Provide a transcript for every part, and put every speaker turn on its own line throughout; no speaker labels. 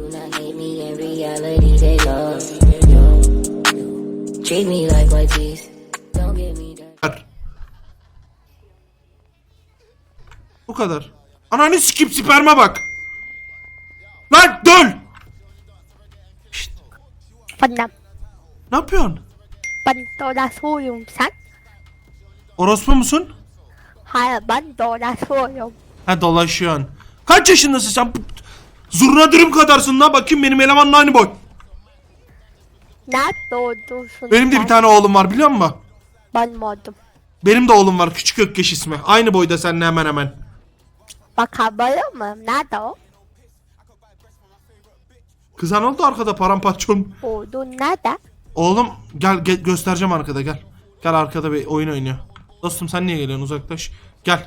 hate me in reality, they love. Treat me like white teeth. Don't give me that.
Bu kadar. Ananı sikip sperme bak. Lan dön. Şşt,
Bana,
ne yapıyorsun?
ben dolaşıyorum sen.
Orospu musun?
Hayır ben dolaşıyorum.
Ha, dolaşıyorsun. Kaç yaşındasın sen? Zurna dürüm kadarsın la, bakayım benim elemanla aynı boy.
Nerede doğdursun
Benim de
sen?
bir tane oğlum var, biliyor musun?
Ben doğdum.
Benim de oğlum var, küçük Ökkeş ismi. Aynı boyda seninle hemen hemen.
Bakabilir miyim? Nerede o?
Kızan oldu arkada paramparçon.
Doğdun nerede?
Oğlum gel, göstereceğim arkada, gel. Gel, arkada bir oyun oynuyor. Dostum sen niye geliyorsun, uzaklaş. Gel.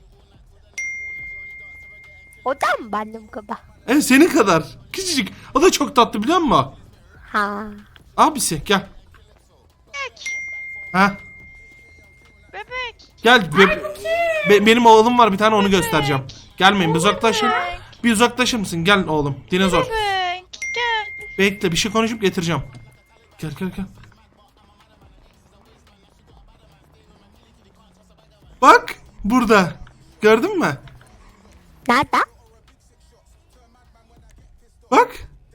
O da mı benim gibi?
Evet, senin kadar. Küçücük. O da çok tatlı, biliyor musun?
Ha.
Abisi gel.
Bebek.
Ha.
Bebek.
Gel. Benim oğlum var bir tane, onu göstereceğim. Gelmeyin, bir uzaklaşın. Bir uzaklaşır mısın? Gel oğlum. Dinozor.
Bebek. Gel.
Bekle, bir şey konuşup getireceğim. Gel. Bak burada. Gördün mü?
Nerede?
Bak.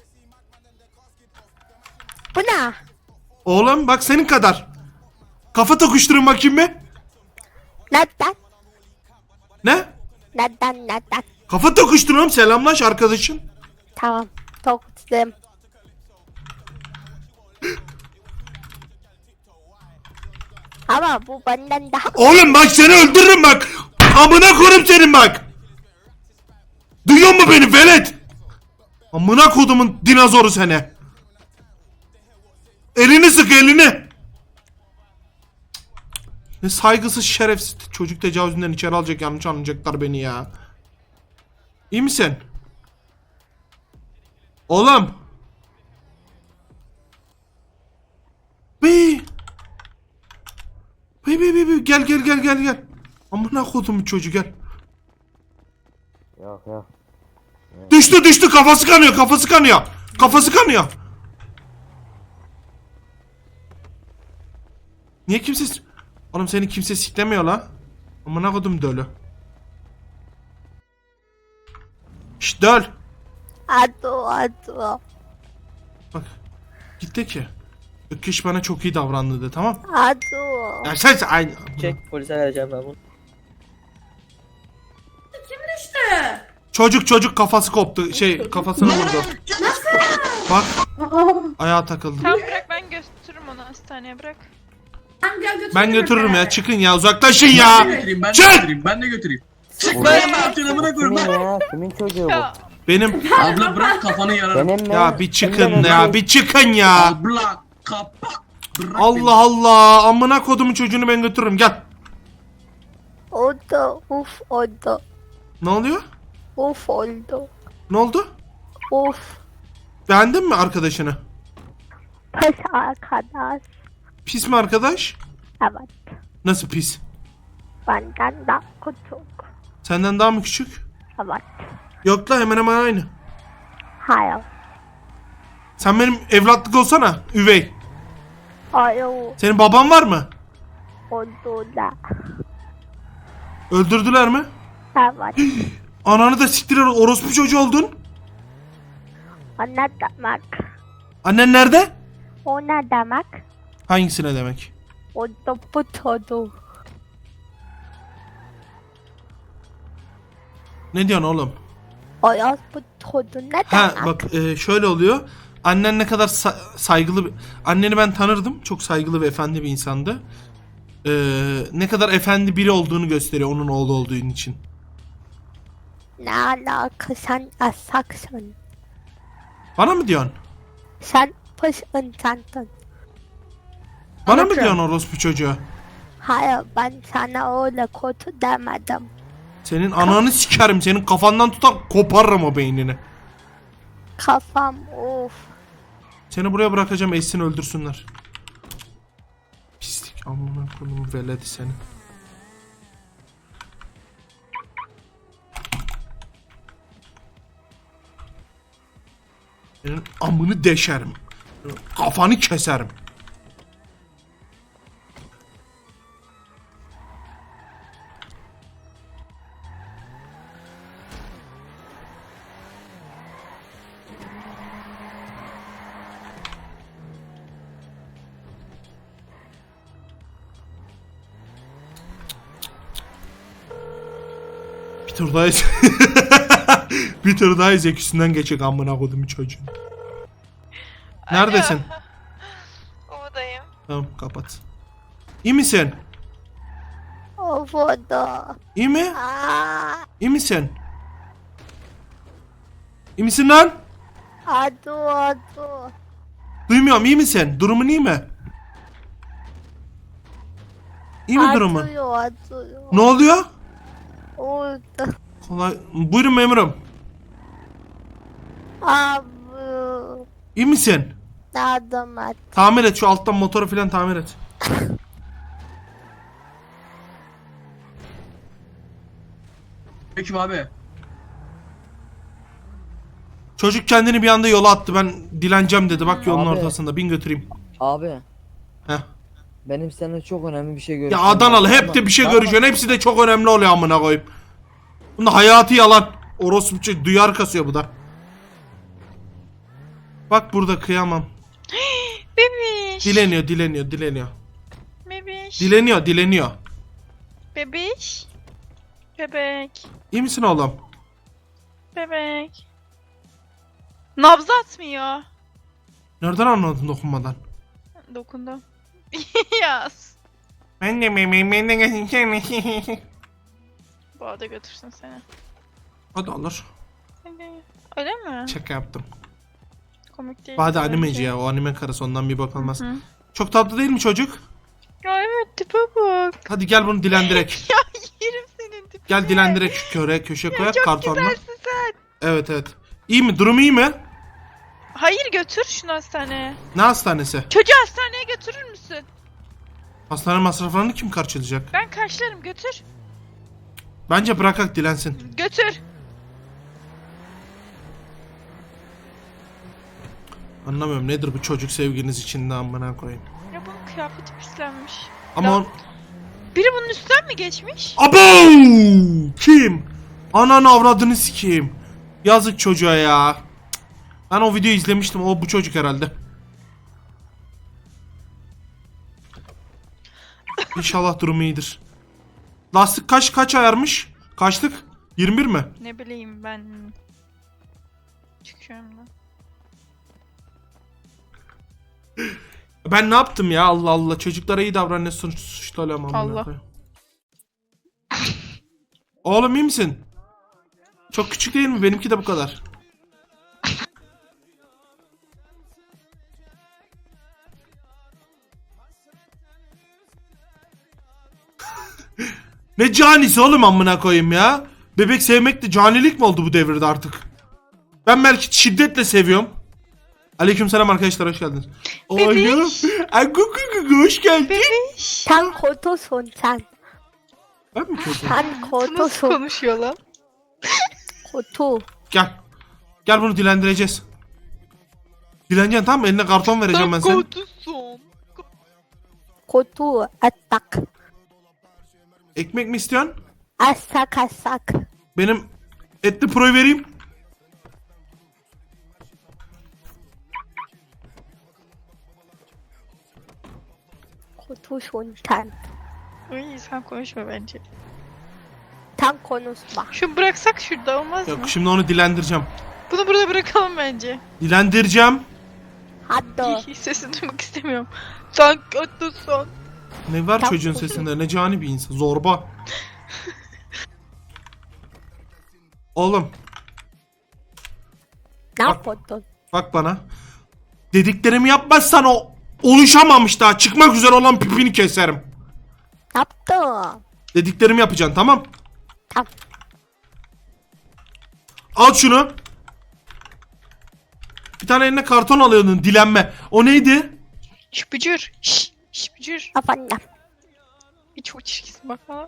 Bu ne?
Oğlum bak, senin kadar. Kafa tokuşturun bakayım mı?
Neden?
Ne?
Neden?
Kafa tokuşturun, selamlaş arkadaşın.
Tamam. Toktum. Ama bu benden daha...
Oğlum bak, seni öldürürüm bak. Amına koyayım senin bak. Duyuyor musun beni velet? Amına kodumun dinozoru seni. Elini sık, elini. Ne saygısız, şerefsiz çocuk, tecavüzünden içeri alacak, yanlış anlayacaklar beni ya. İyi misin? Oğlum. Bey. Bey, gel. Amına kodumun çocuğu, gel.
Yok.
Düştü, kafası kanıyor. Niye kimse... Oğlum seni kimse siklemiyor la. Amına kodum dölü. Şşt döl.
Adu.
Bak. Gitti ki. Ökkeş bana çok iyi davrandı de, tamam.
Adu.
Ya sen aynı.
Çek, polise vereceğim ben bunu.
Çocuk kafası koptu. Kafasını vurdu. Bak. Ayağa takıldı.
Tamam bırak, ben götürürüm onu hastaneye, bırak.
Ben götürürüm ya. Çıkın ya. Uzaklaşın ya. Çık.
Ben de götüreyim.
Ben
Ne yapacaksın amına koyayım
Kimin
lan?
ya? Kimin çocuğu bu?
Ya
Benim.
Abla bırak kafanı yararım.
Benim mi?
Ya bir çıkın
Benim
ya.
mi?
Bir çıkın ya.
Abla kapak. Bırak
Allah Allah. Amına kodumun çocuğunu ben götürürüm. Gel.
Oldu. Uf oldu.
Ne oluyor?
Uf oldu.
Ne oldu?
Uf.
Beğendin mi arkadaşını?
Pes arkadaş.
Pis mi arkadaş?
Evet.
Nasıl pis?
Benden daha küçük.
Senden daha mı küçük?
Evet.
Yok la, hemen hemen aynı.
Hayır.
Sen benim evlatlık olsana. Üvey.
Hayır.
Senin baban var mı?
Oldu da.
Öldürdüler mi?
Evet.
Ananı da siktir, orospu çocuğu oldun.
O ne demek?
Annen nerede?
O ne demek?
Hangisine demek?
O da bu çocuk.
Ne diyorsun oğlum?
O yaz bu çocuğu ne demek?
Ha bak, şöyle oluyor. Annen ne kadar saygılı anneni ben tanırdım. Çok saygılı ve efendi bir insandı. Ne kadar efendi biri olduğunu gösteriyor onun oğlu olduğu için.
Ne alaka, sen asaksın.
Bana mı diyorsun?
Sen pis insansın.
Bana mı diyorsun orospu çocuğu?
Hayır, ben sana öyle kötü demedim.
Senin ananı sikerim. Senin kafandan tutan koparırım o beynini.
Kafam of.
Seni buraya bırakacağım, eşsin öldürsünler. Pislik, amına koyayım veledi seni. Senin amını deşerim. Kafanı keserim. Bir tur daha bir tur daha zekisinden geçecek amına kodumu çocuğun. Neredesin?
Ovadayım.
Tamam kapat. İyi misin?
Ovoda.
İyi mi?
Aa,
İyi misin? İyi misin lan?
adı.
Duymuyorum, iyi misin? Durumun iyi mi? İyi mi durumun?
Adı.
Ne oluyor?
Orada.
Kolay. Buyurun memurum.
Abi.
İyi misin?
Adam at.
Tamir et şu alttan motoru falan tamir et.
Peki abi.
Çocuk kendini bir anda yola attı. Ben dileneceğim dedi. Bak yolun
Abi.
ortasında. Bin götüreyim.
Abi
Heh.
benim seninle çok önemli bir şey
Ya
görüşmem
Adanalı
lazım
hep
ama-
de bir şey
Tamam.
görüşüyorsun. Hepsi de çok önemli oluyor amına koyayım. Bunda hayatı yalan. Orospu duyar kasıyor bu da. Bak burada kıyamam.
Bebiş.
Dileniyor.
Bebiş.
Dileniyor.
Bebiş. Bebek.
İyi misin oğlum?
Bebek. Nabzı atmıyor.
Nereden anladın dokunmadan?
Dokundum. Yaz.
Ben de
Bu arada götürsün seni.
Hadi alır.
Öyle mi?
Şaka yaptım.
Komik değil.
Hadi
bence.
animeci ya. O anime karısı ondan bir bakılmaz.
Hı.
Çok tatlı değil mi çocuk?
Ya evet tipe bak.
Hadi gel bunu dilendirek.
Ya yerim senin tipini.
Gel dilendirek şu köşeye koyak
Çok
kartonla.
güzelsin sen.
Evet. İyi mi? Durumu iyi mi?
Hayır götür şunu hastaneye.
Ne hastanesi?
Çocuğu hastaneye götürür müsün?
Hastane masraflarını kim karşılayacak?
Ben karşılarım götür.
Bence bırakak dilensin.
Götür.
Anlamıyorum nedir bu çocuk sevginiz içinde amına koyayım.
Ya bunun kıyafeti pislenmiş.
Ama
Ya-
on...
Biri bunun üstten mi geçmiş?
Abo! Kim? Ananı avradını sikeyim. Yazık çocuğa ya. Cık. Ben o videoyu izlemiştim. O bu çocuk herhalde. İnşallah durumu iyidir. Lastik kaç ayarmış? Kaçlık? 21 mi?
Ne bileyim ben. Çıkıyorum da.
Ben ne yaptım ya? Allah Allah. Çocuklara iyi davran, ne suçlu olamam.
Allah.
Oğlum iyi misin? Çok küçük değil mi? Benimki de bu kadar. Ne canisi oğlum amına koyayım ya. Bebek sevmek de canilik mi oldu bu devirde artık? Ben belki şiddetle seviyorum. Aleykümselam arkadaşlar, hoş geldiniz.
Bebiş.
Hoş geldin.
Bebiş.
Sen kotosun sen.
Ben mi kötü?
Sen
Nasıl
kotosun.
konuşuyor lan?
Kotu.
Gel. Gel bunu dilendireceğiz. Dileneceksin tamam mı? Eline karton vereceğim ben sana.
Kotusun.
Kotu. Atak.
Ekmek mi istiyorsun?
Asak.
Benim etli proyu vereyim.
Kotosun sen.
Uy sen konuşma bence.
Sen konuşma.
Şunu bıraksak şurada olmaz mı?
Yok şimdi onu dilendireceğim.
Bunu burada bırakalım bence.
Dilendireceğim.
Hadi.
Hiç sesini duymak istemiyorum. Sen kotusun.
Ne var
Tam
çocuğun
koşun.
sesinde? Ne cani bir insan. Zorba. Oğlum
Ne
Bak.
yapıyordun?
bak bana. Dediklerimi yapmazsan o oluşamamış daha. Çıkmak üzere olan pipini keserim.
Ne yaptın?
Dediklerimi yapacaksın tamam.
Tamam.
Al şunu. Bir tane eline karton alıyordun dilenme. O neydi?
Şıpıcır. Şıpıcır.
Efendim.
Bir çok çirkinsin bakma.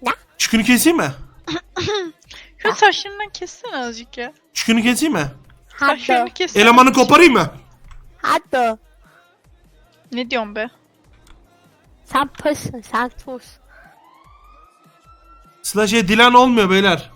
Çükünü keseyim mi?
Şu saçlarından kessene azıcık ya.
Çükünü keseyim mi?
Saçlarını
Hadi.
kes.
Elemanı koparayım mı?
Hadi.
Ne diyorsun be?
Sen pısın sen sus.
Sıla Dilan olmuyor beyler.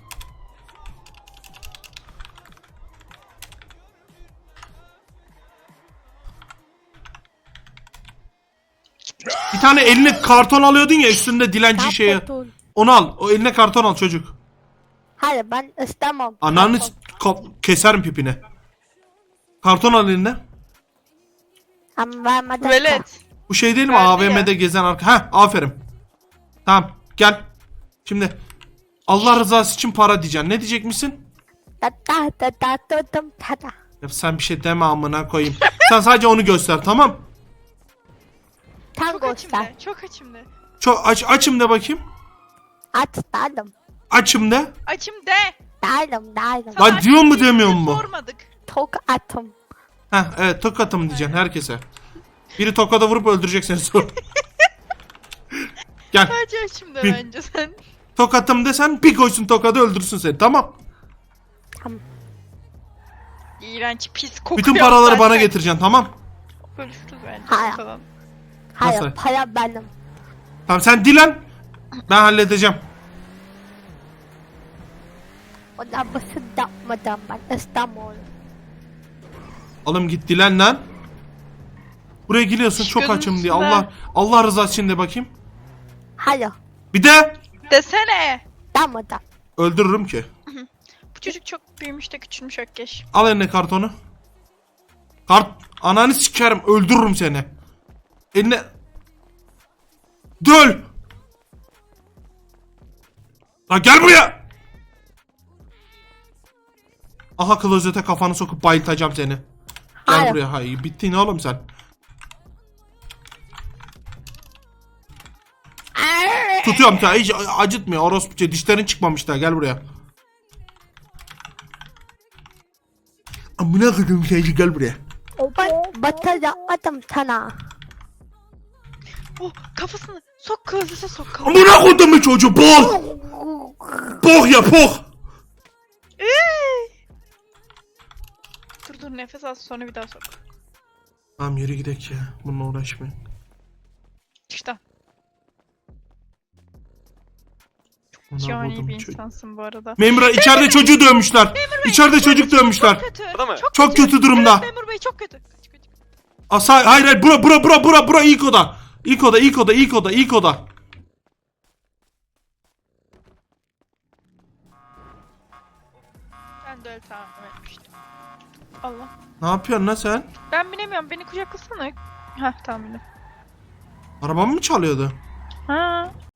Bir tane eline karton alıyordun ya üstünde dilenci
Sen
şeyi.
kurtul.
Onu al. O eline karton al çocuk.
Hayır ben istemem.
Ananı
Karton.
keserim pipine. Karton al eline.
Ama vermeden.
Velet.
Bu şey değil mi?
Verdi
AVM'de gezen arka. Heh, aferin. Tamam gel. Şimdi Allah rızası için para diyeceksin. Ne diyecekmişsin?
Da da da da da da da da.
Ya sen bir şey deme amına koyayım. Sen sadece onu göster tamam.
Sen
Çok
göster.
açımda. Çok açımda.
Çok açım de bakayım.
Aç dalım.
Açım de.
Açım de.
Dalım dalım.
Lan
Sana
diyor mu
açım
demiyor
diye
mu?
Sormadık.
Çok atım.
Heh evet tokatım diyeceksin herkese. Biri tokada vurup öldürecek seni sonra. Gel.
Sadece açımda
Bir-
bence sen.
Tokatım desen bir koysun tokadı öldürsün seni tamam.
İğrenç pis kokuyor.
Bütün paraları bana
zaten.
getireceksin tamam.
Bölüşürüz bence.
Hayır.
ortadan.
Hayır
Nasıl?
para benim.
Tamam sen dilen. Ben halledeceğim.
O da basit yapmadan ben istemiyorum.
Oğlum git dilen lan. Buraya geliyorsun çok
Gözünün
açım diye.
üstüne.
Allah rızası için de bakayım.
Hayır.
Bir de
Desene.
Damadan.
öldürürüm ki.
Bu çocuk çok büyümüş de küçülmüş Ökkeş.
Al eline kartonu. Ananı sikerim öldürürüm seni. Eline. Döl. Lan gel buraya. Aha klozete kafanı sokup bayıltacağım seni. Gel
Hayır.
buraya. Hayır bittin oğlum sen. Tutuyorum ya hiç acıtmıyor orospuca dişlerin çıkmamış daha gel buraya. Amına koydum şeyci gel buraya.
Ben batı yapmadım sana.
Oh kafasını sok klozete sok kafasını.
Amına koydum çocuğu bol. Bok ya bok.
Dur nefes al sonra bir daha sok.
Tamam yürü gidelim ya. Bununla uğraşmayın.
İşte.
Amına
Cani
koydum
bir
çocuğu.
insansın bu arada.
Memura içeride çocuğu dövmüşler. İçeride çocuk dövmüşler.
Çok kötü.
Orada mı?
Çok kötü durumda.
Evet, memur bey çok kötü. Kaç kaç.
Hayır bura ilk oda. İlk oda.
Ben de öyle tahmin etmiştim. Allah.
Ne yapıyorsun lan sen?
Ben binemiyorum. Beni kucaklasana. Heh tamam bindim.
Arabamı mı çalıyordu?
Ha.